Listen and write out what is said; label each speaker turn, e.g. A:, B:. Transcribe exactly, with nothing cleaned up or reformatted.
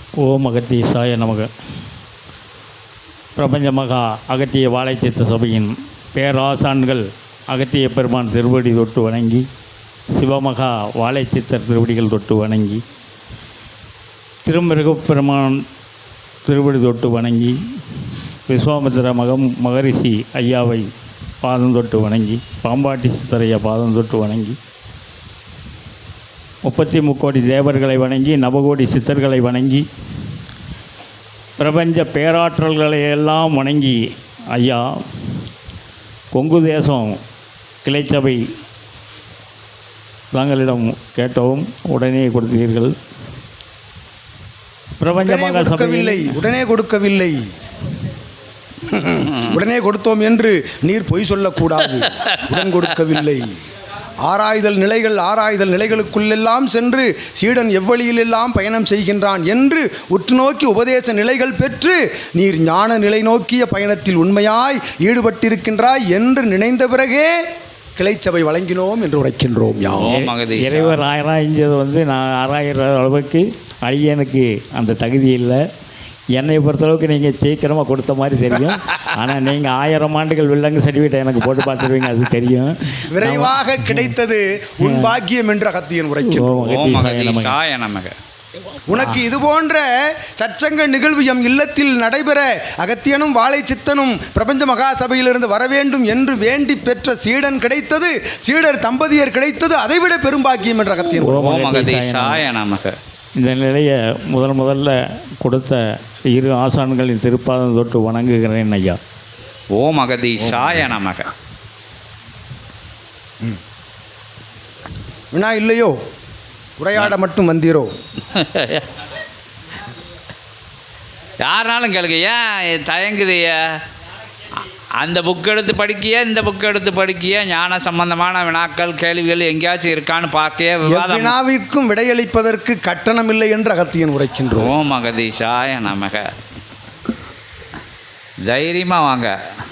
A: ஓம் அகத்தீசாய நமக. பிரபஞ்ச மகா அகத்திய வாழைச்சித்த சபையின் பேராசான்கள் அகத்திய பெருமான் திருவடி தொட்டு வணங்கி, சிவமகா வாழைச்சித்தர் திருவடிகள் தொட்டு வணங்கி, திருமிருகப் பெருமான் திருவடி தொட்டு வணங்கி, விஸ்வாமித்திர மகம் மகரிஷி ஐயாவை பாதம் தொட்டு வணங்கி, பாம்பாட்டி சித்தரையா பாதம் தொட்டு வணங்கி, முப்பத்தி முக்கோடி தேவர்களை வணங்கி, நவகோடி சித்தர்களை வணங்கி, பிரபஞ்ச பேராற்றல்களை எல்லாம் வணங்கி, ஐயா கொங்கு தேசம் கிளைச்சபை தாங்களிடம் கேட்டவும் உடனே கொடுத்தீர்கள். பிரபஞ்சமாக சபையில்லை,
B: உடனே கொடுக்கவில்லை. உடனே கொடுத்தோம் என்று நீர் பொய் சொல்லக்கூடாது. உடன் கொடுக்கவில்லை. ஆராய்தல் நிலைகள் ஆராய்தல் நிலைகளுக்குள்ளெல்லாம் சென்று சீடன் எவ்வழியிலெல்லாம் பயணம் செய்கின்றான் என்று உற்று நோக்கி உபதேச நிலைகள் பெற்று நீர் ஞான நிலை நோக்கிய பயணத்தில் உண்மையாய் ஈடுபட்டிருக்கின்றாய் என்று நினைந்த பிறகே கிளைச்சபை வழங்கினோம் என்று உரைக்கின்றோம்.
A: இறைவர் ஆராய்ஞ்சது வந்து நான் ஆராயிற அளவுக்கு அடியனுக்கு அந்த தகுதி இல்லை. என்னை பொறுத்தளவுக்கு நீங்கள் சீக்கிரமாக கொடுத்த மாதிரி தெரியும். ஆனால் நீங்கள் ஆயிரம் ஆண்டுகள் வில்லங்கு சர்டிஃபிகேட் எனக்கு போட்டு பார்த்துருவீங்க, அது தெரியும்.
B: விரைவாக கிடைத்தது உன் பாக்கியம் என்ற அகத்தியன் உரைக்கிறோம். உனக்கு இது போன்ற சச்சங்க நிகழ்வு எம் இல்லத்தில் நடைபெற அகத்தியனும் வாழை சித்தனும் பிரபஞ்ச மகா சபையிலிருந்து வர வேண்டும் என்று வேண்டி பெற்ற சீடன் கிடைத்தது, சீடர் தம்பதியர் கிடைத்தது, அதைவிட பெரும்பாக்கியம் என்ற அகத்தியன்.
A: இந்த நிலையை முதல் முதல்ல கொடுத்த இரு ஆசான்களின் திருப்பாதம் தொட்டு வணங்குகிறேன் ஐயா.
C: ஓம் அகதீஷாய நமக.
B: வினா இல்லையோ, உரையாட மட்டும் வந்தீரோ?
C: யாருனாலும் கேளுங்க, ஏன் தயங்குதைய? அந்த புக் எடுத்து படிக்கிய, இந்த புக் எடுத்து படிக்கிய, ஞான சம்பந்தமான வினாக்கள் கேள்விகள் எங்கேயாச்சும் இருக்கான்னு பார்க்க விவாதம்.
B: வினாவிற்கும் விடையளிப்பதற்கு கட்டணம் இல்லை என்று அகத்தியன் உரைக்கின்றோம்.
C: ஓம் அகதீஷாய நமக. தைரியமாக வாங்க.